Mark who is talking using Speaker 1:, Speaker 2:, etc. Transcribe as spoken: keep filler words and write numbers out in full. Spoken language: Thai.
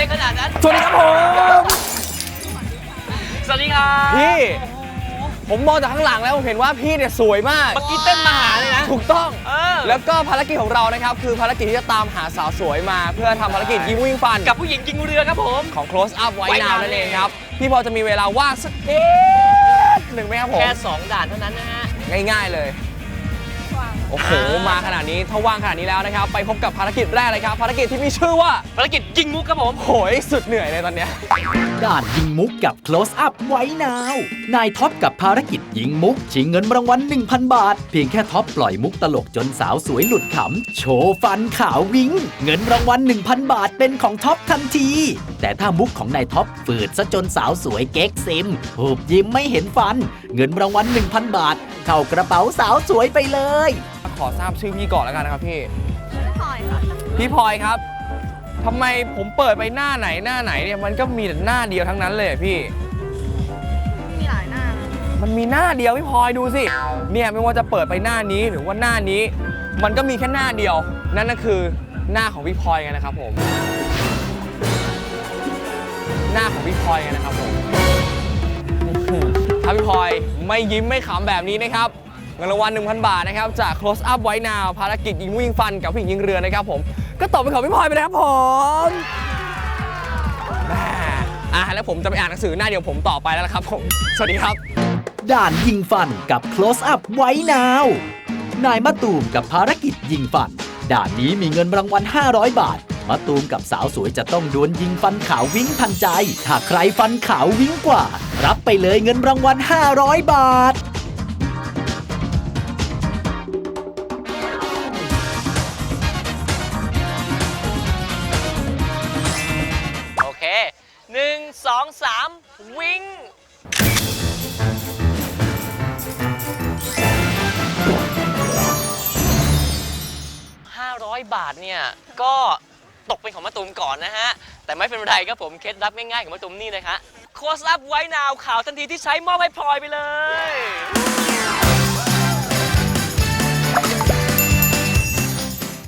Speaker 1: อะไรขนาดนั้น
Speaker 2: สวัสดีครับผม
Speaker 1: สวัสดีครับ
Speaker 2: พี่ผมมองจากข้างหลังแล้วผมเห็นว่าพี่เนี่ยสวยมาก
Speaker 1: เมื่อกี้เต้นมาหาเลยนะ
Speaker 2: ถูกต้อง
Speaker 1: เออ
Speaker 2: แล้วก็ภารกิจของเรานะครับคือภารกิจที่จะตามหาสาวสวยมาเพื่อทำภารกิจยิงวิ่งฟัน
Speaker 1: กับผู้หญิงยิงเรือครับผม
Speaker 2: ของ close up ไว้นาวนั่นเองครับพี่พอจะมีเวลาว่างสักนิดหนึ่งไหมครับผม
Speaker 1: แค่สองด่านเท่านั้นนะฮะ
Speaker 2: ง่ายๆเลยโอ้โหมาขนาดนี้ถ้าว่างขนาดนี้แล้วนะครับไปพบกับภารกิจแรกเลยครับภารกิจที่มีชื่อว่า
Speaker 1: ภารกิจยิงมุกครับผม
Speaker 2: โหยสุดเหนื่อยเลยตอนเนี้ย
Speaker 3: ด่านยิงมุกกับ close up ไว้นาวนายท็อปกับภารกิจยิงมุกชิงเงินรางวัล หนึ่งพัน บาทเพียงแค่ท็อปปล่อยมุกตลกจนสาวสวยหลุดขำโชว์ฟันขาววิ้งเงินรางวัล หนึ่งพัน บาทเป็นของท็อปทันทีแต่ถ้ามุกของนายท็อปฝืดซะจนสาวสวยเก๊กซิมหูบยิ้มไม่เห็นฟันเงินรางวัล หนึ่งพัน บาทเข้ากระเป๋าสาวสวยไปเลย
Speaker 2: ขอทราบชื่อพี่ก่อนแล้วกันนะครับพี่
Speaker 4: พี่พลอยค่ะ
Speaker 2: พี่พลอยครับทำไมผมเปิดไปหน้าไหนหน้าไหนเนี่ยมันก็มีแต่หน้าเดียวทั้งนั้นเลยพี่
Speaker 4: มีหลายหน้านะ
Speaker 2: มันมีหน้าเดียวพี่พลอยดูสิเนี่ยไม่ว่าจะเปิดไปหน้านี้หรือว่าหน้านี้มันก็มีแค่หน้าเดียวนั่นก็คือหน้าของพี่พลอยไงนะครับผมหน้าของพี่พลอยไงนะครับผมถ้าพี่พลอยไม่ยิ้มไม่ขำแบบนี้นะครับเงินรางวัล หนึ่งพัน บาทนะครับจาก close up ไว้นาวภารกิจยิงวิ่งฟันกับผู้หญิงยิงเรือนะครับผมก็ตอบเป็นของพี่พลอยไปเลยครับผมอ่ะแล้วผมจะไปอ่านหนังสือหน้าเดียวผมต่อไปแล้วครับผมสวัสดีครับ
Speaker 3: ด่านยิงฟันกับ close up ไว้นาวนายมะตูมกับภารกิจยิงฟันด่านนี้มีเงินรางวัลห้าร้อยบาทมะตูมกับสาวสวยจะต้องดวลยิงฟันขาววิ้งทันใจถ้าใครฟันขาววิ้งกว่ารับไปเลยเงินรางวัลห้าร้อยบาท
Speaker 1: โอเคหนึ่งสองสามวิ่งห้าร้อยบาทเนี่ยก็ตกเป็นของมะตูมก่อนนะฮะแต่ไม่เป็นไรครับผมเคล็ดลับง่ายๆของมะตูมนี่เลยฮะโค้ชอัพไว้นาวข่าวทันทีที่ใช้มอบให้พลอยไปเลย